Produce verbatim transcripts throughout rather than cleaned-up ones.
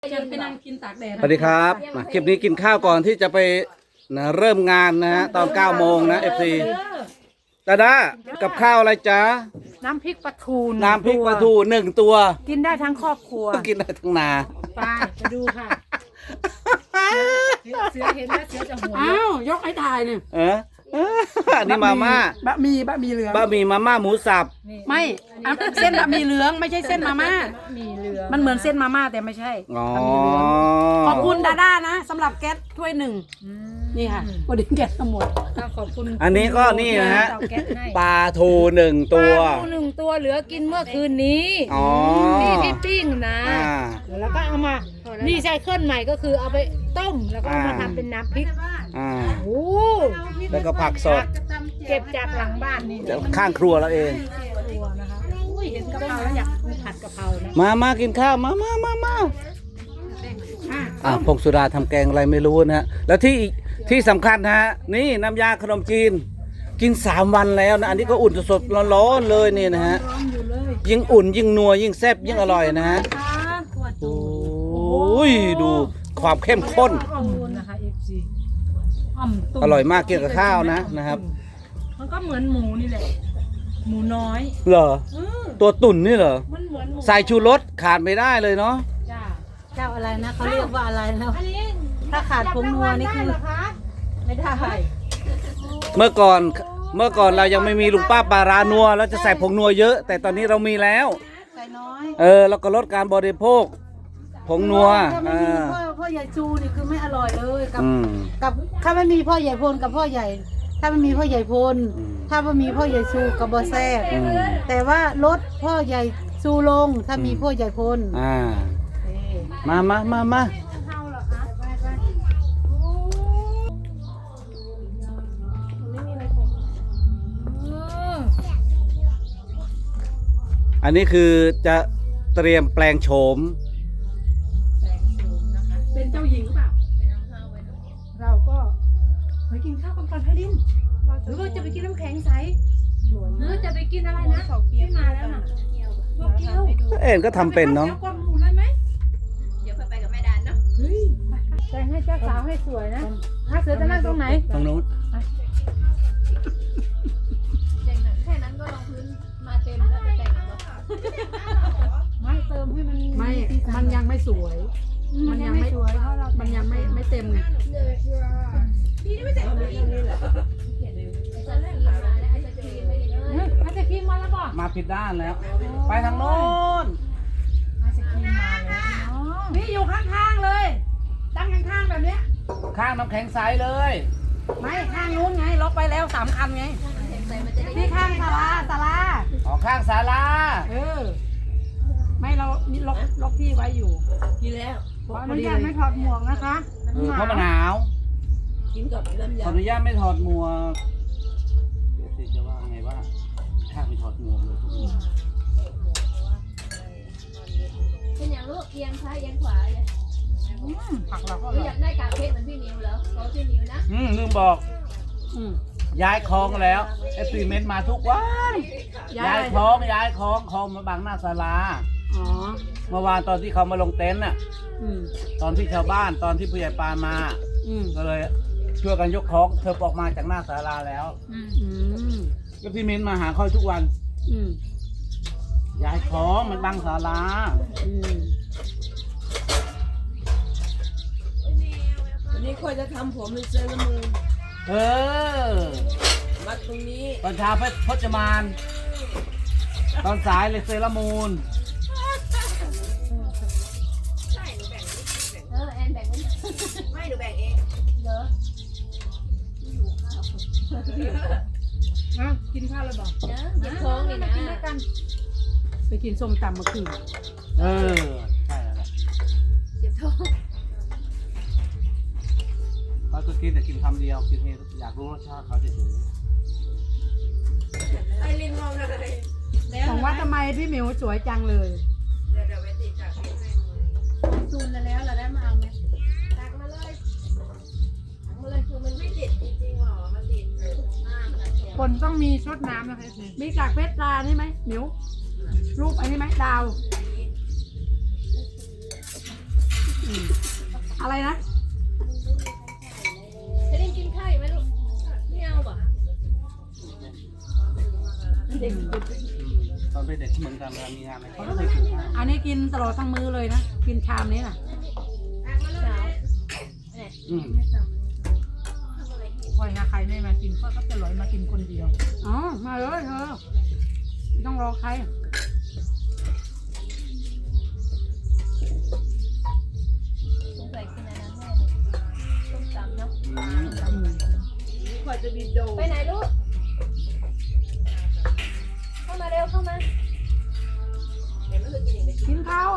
จะไปนั่งกินตากแดดสวัสดีครับมาคลิปนี้กินข้าวก่อนที่จะไปนะเริ่มงานนะฮะตอนเก้าโมงนะเอฟซีดาดากับข้าวอะไรจ๊ะน้ำพริกปลาทูน้ำพริกปลาทูหนึ่งตัวกินได้ทั้งครอบครัวกินได้ทั้งนาไปไปดูค่ะ เสือเห็นแล้วเสือจะหัวอ้าวยกให้ถ่ายเนี่ยเอออันนี้มาม่าบะหมี่บะหมี่เหลืองบะหมี่มาม่าหมูสับไม่อันเส้นบะหมี่เหลืองไม่ใช่เส้นมาม่ามีเรือมันเหมือนเส้นมาม่าแต่ไม่ใช่อ๋อบะหมี่เหลืองขอบคุณดาด้านะสำหรับแก๊สถ้วยหนึ่งนี่ค่ะวันนี้แก๊สทั้งหมดก็ขอบคุณอันนี้ก็นี่นะฮะเตาแก๊สให้ปลาทูหนึ่งตัวปลาทูหนึ่งตัวเหลือกินเมื่อคืนนี้อ๋อที่ที่ปิ้งนะอ่าแล้วก็เอามานี่ใช้เคลื่อนใหม่ก็คือเอาไปต้มแล้วก็เอามาอ่าทำเป็นน้ำพริกอ่าโอ้แล้วก็ผักสดเก็บจากหลังบ้านนี่จากข้างครัวเราเองตัวนะคะอุ้ยเห็นกะเพราแล้วอยากผัดกะเพรานะมามากินข้าวมามามามาอ่ะพงสุดาทำแกงอะไรไม่รู้นะฮะแล้วที่อีกที่สำคัญนะฮะนี่น้ำยาขนมจีน กินสามวันแล้วนะอันนี้ก็อุ่นสดๆร้อนๆเลยนี่นะฮะร้อนอยู่เลยยิ่งอุ่นยิ่งนัวยิ่งแซ่บยิ่งอร่อยนะฮะค่ะขวดโอ้ยดูความเข้มข้นอ่อมนะคะเอฟซีอ่อมตุ้มอร่อยมากกินกับข้าวนะนะครับมันก็เหมือนหมูนี่แหละ หมูน้อยเหรอเออตัวตุ่นนี่เหรอมันเหมือนหมูใส่ชูรสขาดไม่ได้เลยเนาะจ้าเจ้าอะไรนะเขาเรียกว่าอะไรนะอันนี้ถ้าขาดผงนัวนี่คือได้เหรอคะไม่ได้เมื่อก่อนเมื่อก่อนเรายังไม่มีลุงป้าปลารานัวแล้วจะใส่ผงนัวเยอะ แต่ตอนนี้เรามีแล้วใส่น้อยเออแล้วก็ลดการบริโภคผงนัวถ้าไม่อ่ามีพ่อพ่อใหญ่จูนี่คือไม่อร่อยเลยกับอืมกับถ้าไม่มีพ่อใหญ่พลกับพ่อใหญ่ ถ้าไม่มีพ่อใหญ่พลอืมถ้าไม่มีพ่อใหญ่ชูกับบอแซ่บอืมแต่ว่าลดพ่อใหญ่ชูลงถ้ามีพ่อใหญ่พลอ่ามามามามาอันนี้คือจะเตรียมแปลงโฉมเป็นเจ้าหญิงหรือเปล่าเราก็ไปกินข้าวกันก่อนไพลินหรือว่าจะไปกินน้ำแข็งใสหรือจะไปกินอะไรนะที่มาแล้วน่ะตัวเกี๊ยวเอ็นก็ทำเป็นเนาะดี๋ยวก่อนหมูเลยไหมเดี๋ยวไปกับแม่ดานเนาะเฮ้ยแต่งให้เจ้าสาวให้สวยนะถ้าเสือจะนั่งตรงไหนตรงนู้นเจ๋งหนังแค่นั้นก็ลงพื้นมาเต็มแล้วจะแต่งแล้วไม่เติมให้มันไม่ มันยังไม่สวย มันยังไม่สวยเพราะเรามันยังไม่ไม่เต็มไงพี่นี่ไม่แต่งเลยจะเล่นหลายแล้วไอ้จะครีมไม่ได้เลยอาจจะครีมมาแล้วบอกมาผิดด้านแล้ว ไปทางโน้นอาจจะครีมมาแล้วนี่อยู่ข้างๆเลยตั้งข้างๆแบบเนี้ยข้างน้ำแข็งใสเลยไม่ข้างนู้นไงล็อกไปแล้วสามคันไงใส่มันจะได้ที่ข้างศาลาศาลาออกข้างศาลาเออ ไม่เรามีล็อกล็อกที่ไว้อยู่กินแล้วขออนุญาตไม่ถอดหมวกนะคะเออเพราะมันหนาวกินกับลำขไยออนุญาตไม่ถอดหมวกเดี๋ยวสิจะว่าไงว่าข้างไม่ถอดหมวกเลยเป็นอย่างลูกเอียงซ้ายเอียงขวาเลยผักเราก็อหรือร่ออยยากได้กาเค้กเหมือนพี่นิวเหรอขอพี่นิวนะอืมลืมบอกอืมย้ายคลองแล้วเอฟซีเมนต์มาทุกวันย้าย้าย ยคลองย้ายคลองคลองมาบังหน้าศาลาอ๋อเมื่อวานตอนที่เขามาลงเต็นท์น่ะอืมตอนที่ชาวบ้านตอนที่ผู้ใหญ่ปานมาอืมก็เลยช่วยกันยกคลองเธอออกมาจากหน้าศาลาแล้วอืมก็พี่เมนต์มาหาค่อยทุกวันอืมย้ายคลองมันบังศาลาอืมวันนี้ค่อยจะทำผมเป็นเซรามูนเออมัดตรงนี้ตอนเช้าเพชรพจมาน ตอนสายเลยเซรามูนเออแอนแบ่งไม่หนูแบ่งเองเหรออ่ะกินข้าวเลยบอกเนอะหยิบท้องนี่นะกินด้วยกันไปกินส้มตำเมื่อคืนเออ ใช่แล้วแหละหยิบท้องเขาจะกินแต่กินคำเดียวกินเองอยากรู้รสชาติเขาเฉยไอรินมองอะไรของว่าทำไมพี่หมิวสวยจังเลยเดี๋ยวเดี๋ยวไปติดจากพี่ให้ซูนแล้วเราได้มาเอาไหมตักมาเลยตักมาเลยคือมันไม่ติดจริงๆหรอมันติดหน้ามันเขียวคนต้องมีชดน้ำนะคะมีกากเพชรตานี่ไหมหมิวรูปอันนี้ไหมดาวอะไรนะจะได้กินข้าวอยู่ไหมลูกไม่เอาป่ะตอนเป็นเด็กเหมือนกันเวลามีงานอะไรเขาก็ไม่กินข้าวอันนี้กินตลอดทั้งมื้อเลยนะ กินชามนี้น่ะสาวอืมคอยนะใครไม่มากินก็ก็จะลอยมากินคนเดียวอ๋อ มาเลยเธอไม่ต้องรอใครสงสัยกินอันนั้นแน่เลยต้มตำเนาะอืมไปไหนลูกเข้ามาเร็วเข้ามากินข้าว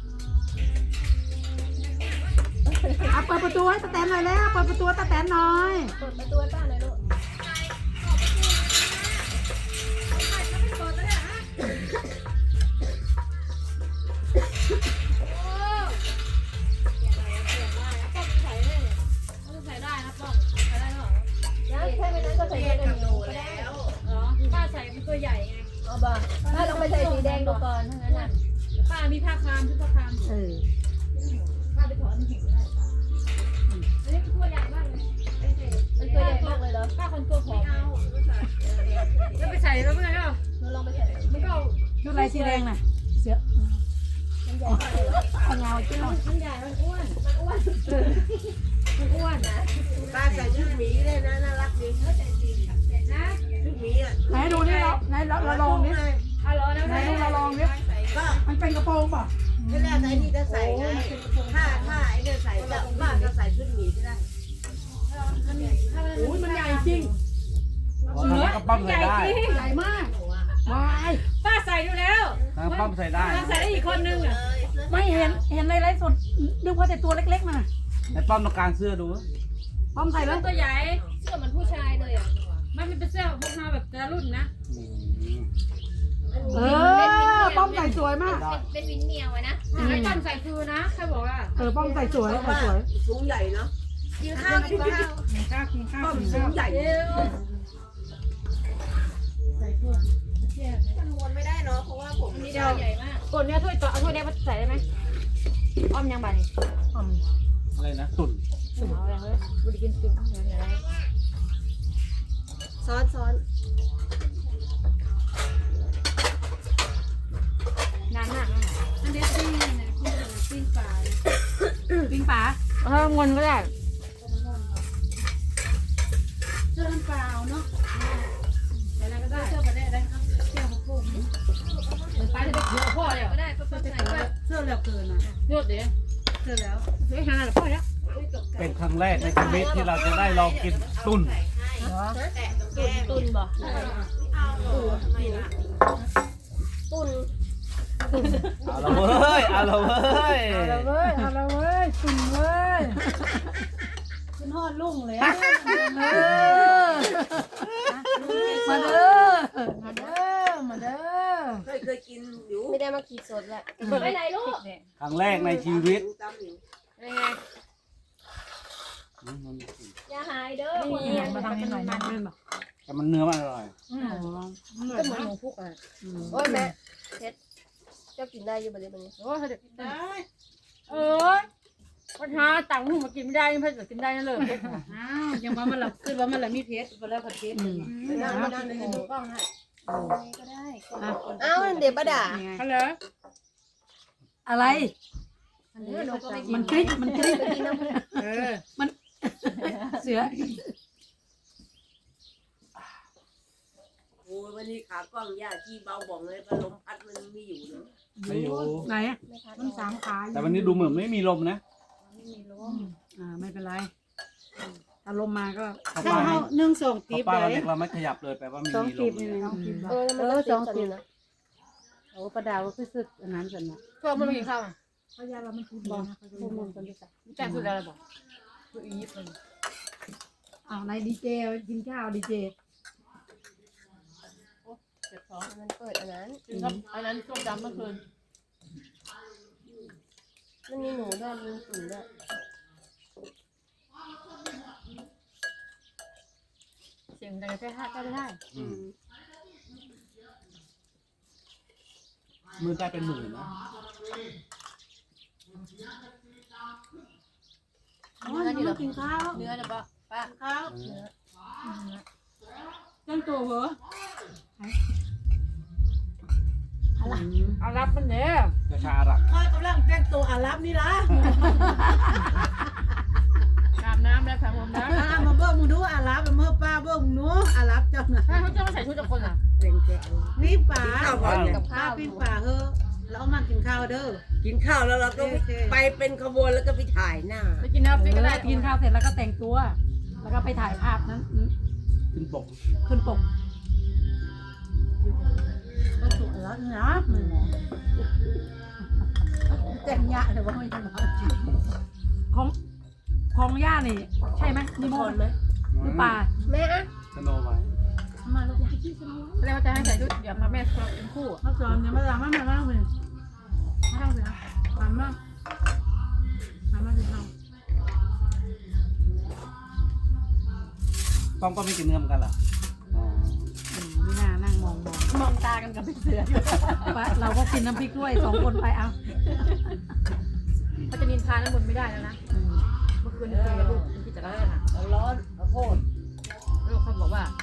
อ่ะเปิดประตูให้ตาแตนหน่อยแล้วเปิดประตูให้ตาแตนหน่อยเปิดประตูให้ป้าหน่อยลูกยังแค่ไม่นั้นก็ใส่เสื้อกันหนูก็ได้อ๋อป้าใส่เป็นตัวใหญ่ไงอ๋อบ้าป้าลองไปใส่สีแดงดูก่อนทั้งนั้นน่ะป้ามีผ้าคามชุดผ้าคามเออป้าไปถอนหินได้ป้าอันนี้เป็นตัวใหญ่มากเลยมันตัวใหญ่มากเลยเหรอป้าคนตัวผอมเอาแล้วไปใส่แล้วเมื่อไหร่ก็หนูลองไปใส่มันก็ชุดอะไรสีแดงน่ะ เสือมันใหญ่มากเลยเหรอเอาเงาจิ้มหน่อยมันใหญ่มันอ้วนมันอ้วนมันอ้วนนะป้าใส่ชุดหมีเลยนะน่ารักดีนะชุดหมีอ่ะไหนดูนี่เราไหนเราเราลองดิเอาเหรอนะไหนดูเราลองดิก็มันเป็นกระโปรงป่ะไม่แรกไอ้นี่จะใส่ไงถ้าถ้าไอ้เนี่ยใส่จะป้าก็ใส่ชุดหมีก็ได้โอ้ยมันใหญ่จริงอ๋อทางนั้นก็ปั้มใส่ได้ใหญ่มากวายป้าใส่ดูแล้วทางนั้นปั้มใส่ได้ป้าใส่ได้อีกคนนึงอ่ะไม่เห็นเห็นในไลฟ์สดนึกว่าแต่ตัวเล็กๆมันน่ะในปั้มต้องการเสื้อดูพร้อมใส่แล้วตัวใหญ่เสื้อเหมือนผู้ชายเลยอ่ะมันเป็นเสื้อพวกมาแบบแต่ละรุ่นนะอืมเออป้อมใส่สวยมากเป็นวินเมียวไว้นะไม่ต้องใส่คือนะแค่บอกว่าเออป้อมใส่สวยใส่สวยสูงใหญ่เนาะกินข้าวกินข้าวกินข้าวกินข้าวป้อมกินสูข้าง วใหญ่มันวนไม่ได้เนาะเพราะว่าผมนี่ดาวใหญ่มากกดเนี้ยถ้วยต่อเอาถ้วยแดงมาใส่ได้ไหมอ้อมยังบานี่อ้อมอะไรนะตุ่นเอาอย่างเลยบุรีกินจุ่มอย่างไรซ้อนซ้อนนานมากอันนี้ปิ้งปิ้งปลาปิ้งปลาเอองนก็ได้เสื้อน้ำเปล่าเนาะอะไรก็ได้เสื้อมาได้ได้ครับเสื้อของพวกนี้มันไปจะได้เยอะพ่อเดียวก็ได้ก็ใส่ก็เสื้อเหลือเกินอ่ะเยอะเดี๋ยวเสื้อแล้วเฮ้ยหาหรือพ่อเนี้ยเป็นครั้งแรกในชีวิตที่เราจะได้ลองกินตุ่นแตะตรงแก้มตุนบ่ทำไมล่ะตุนเอาละเว้ยเอาละเว้ยเอาละเว้ยเอาละเว้ยสุนเว้ยขึ้นฮอดลุ่งเลยอะมาเด้อมาเด้อมาเด้อเคยเคยกินอยู่ไม่ได้มาขีดสดแหละไปไหนลูกครั้งแรกในชีวิตตำอยู่ยังไงอย่าหายเด้อคนมาทำให้หน่อยนะเพื่อนบอกแต่มันเนื้อมันอร่อยก็เหมือนหมูพุกอ่ะโอ้ยแม่เพชรเจ้ากินได้อยู่บ่เลยบัดนี้โอ้ยเด็กเออปัญหาต่างหูมากินไม่ได้เพื่อนกินได้นั่นเลยอ้าวยังว่ามันหลับขึ้นว่ามันหลับมีเพชรไปแล้วผัดเพชรไปนั่งไปนั่งในหนูกล้องให้ก็ได้อ้าวเดี๋ยวป้าด่าฮัลโหลอะไร มันกริ๊กมันกริ๊กเออมันเสือโอ้ยวันนี้ขากล้องย่าที่เบาบ่องเลยพัดลมพัดมันไม่อยู่เลยไม่อยู่ไหนอะมันสามขาแต่วันนี้ดูเหมือนไม่มีลมนะอ่าไม่เป็นไรอารมณ์มาก็เข้าไปหนึ่งสองเพราะป้าเราเล็กเราไม่ขยับเลยแปลว่าไม่สองมีลตีบมนี่เลยสองตีบเออมันก็สองตีนะโอ้ประดาวก็คือสึกอันนั้นสันนะพวกมันกินข้าวเขายาเรามันคือบอกพวกมึงกันดิจ้ะแต่สุดแล้วบอกคืออีฟเลยอ้าวในดีเจกินข้าวดีเจมันเปิดอันนั้นกินครับอันนั้นส้มดำเมื่อคืนมันมีหนูด้วยมีตุ๋นด้วยเสียงดังแค่ห้าก็ไม่ได้อืมมือได้เป็นหมื่นนะอ๋อยังไม่กินข้าวเนื้อนะป้าป้าข้าวจังตัวเหรอเอารับมันเนี่ยกระชาหลักข้ากำลังแต่งตัวอารับนี่ละอาบน้ำแล้วค่ะผมนะอ่ามาเบิ้งมึงดูอารับมาเมื่อป้าเบิ้งมึงดูอารับเจ้าน่ะถ้าเขาจะมาใส่ชุดกับคนอ่ะนี่ป่าข้าวก่อนเนี่ยกับข้าวปิ้งป่าเฮ้อแล้วเอามากินข้าวเด้อกินข้าวแล้วเราก็โอเคไปเป็นขบวนแล้วก็ไปถ่ายหน้าไปกินน้ำฟิกก็ได้กินข้าวเสร็จแล้วก็แต่งตัว แล้วก็ไปถ่ายภาพนั้นขึ้นปกขึ้นปกก็สุกแล้วนะมึงแต่งยะเลยว่าไม่ใช่หรอของของย่านี่ ใช่ไหมนี่โมดไหมหรือป่าแม่อะสโนไว้มาลูกยายที่สมองเรียกว่าจะให้ใส่ชุดเดี๋ยวมาแม่เป็นคู่มาสอนเนี่ยมาล้างมามาล้างเลยมาล้างเลยมามามามาสิเอาต้องก็ไม่กินเนื้อเหมือนกันเหรออ๋อไม่น่านั่งมองมองมองตากันกับพี่เสือเราก็กินน้ำพริกด้วยสองคนไปเอาเขาจะนินทาน้ำมันไม่ได้แล้วนะเมื่อคืนคุยกับลูกที่จะเล่นอ่ะร้อนข้าวโพดลูกเขาบอกว่า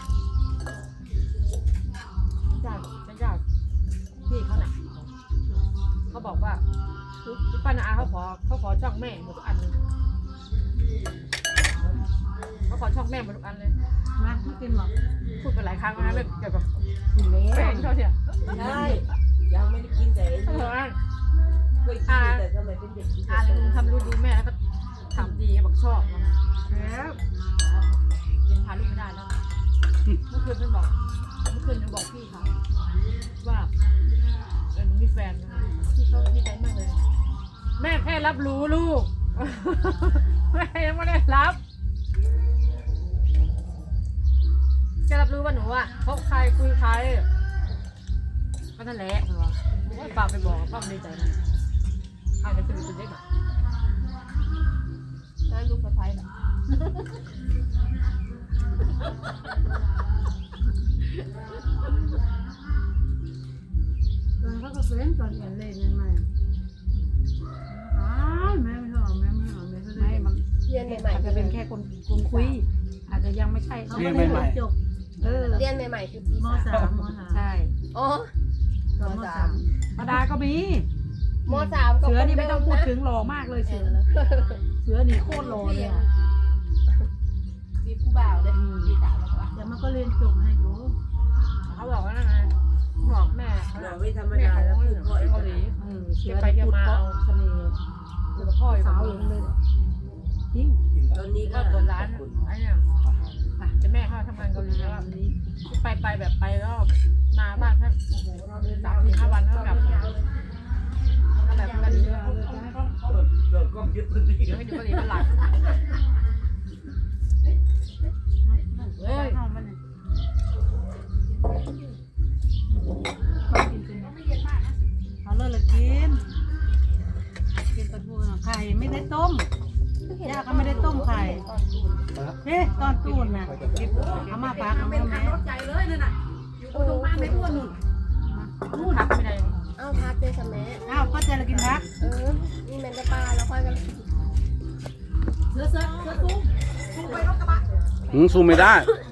ญาติญาติพี่เขาหนักเขาบอกว่าพี่ป้านาอาเขาขอเขาขอช่องแม่หมดทุกอันเลยเขาขอช่องแม่หมดทุกอันเลยมาไม่กินหรอกพูดไปหลายครั้งแล้วนะเรื่องเกี่ยวกับแฟนเขาเนี่ยใช่ยังไม่ได้กินแต่เขาบอกว่าเคยกินแต่สมัยเป็นเด็กกินอาเลยทำรู้ดูแม่แล้วก็ถามดีบอกชอบนะแล้วยังพาลูกไม่ได้แล้วเมื่อคืนเพื่อนบอกเมื่อคืนหนูบอกพี่เขาว่าเออหนูมีแฟนนะพี่เขาดีใจมากเลย แม่แค่รับรู้ลูก แม่ยังไม่ได้รับแค่รับรู้ว่าหนูอ่ะคบใครคุยใครก็นั่นแหละเหรอว่าฝากไปบอกป้าดีใจนะอาจจะเป็นตัวเล็กอ่ะได้ลูกสะใภ้น่ะตอนเขาก็เป็นตอนเอ็นเล่นยังไงอ๋อแม่ไม่หรอกแม่ไม่หรอกแม่ก็ไม่ได้มันเรียนใหม่อาจจะเป็นแค่คนคนคุย อาจจะยังไม่ใช่เขาก็ได้จบเออเรียนใหม่ๆคือปีมสามสามมสามใช่อ๋อตอนมสามธรรมดาก็มีมสามก็เสือนี่ไม่ต้องพูดถึงหล่อมากเลยเสือ เสือนี่โคตรหล่อเลยอะปีผู้บ่าวเลยปีสามแล้วก็เดี๋ยวมันก็เรียนจบให้ดูเขาบอกว่านั่นไงบอกแม่เขาเราน่ะไม่ธรรมแม่ดาเขาแล้วเหคืนืออพ่อเกาหลีเออเสืเสืออไปได้เที่ยวพูดมาเพราะเอาเสน่ห์อยู่กับพ่ออยู่กับสาวลูเอก งเลยจริงตอนนี้ก็ก็เปิดร้านไอ้เนี่ยอ่ะจะแม่เขาทำงานเกาหลีแล้วอะไปไปแบบไปแล้วมาบ้านแค่โอ้โหเราเดินสามสี่ห้าวันแล้วกลับมาก็แบบกันเยอะเลิกก็ยึดพื้นที่เดี๋ยวให้ดูเกาหลีเป็นหลักเฮ้ยเอามาเนี่ยเอาเลยเลยกินกินปลาทูไข่ไม่ได้ต้มย่าก็ไม่ได้ต้มไข่เฮ้ตอนตูนนะเอามาปากเอามาแม่ใจเลยนั่นน่ะอยู่ตรงบ้านไม่พูดนู่นนู่นทักไม่ได้เอ้าพักเจสแม่อ้าวก็ใจละกินพักเออนี่แมนจะปลาแล้วค่อยกันเสือเสือเสือตุ้งหืมซูมไม่ได้เ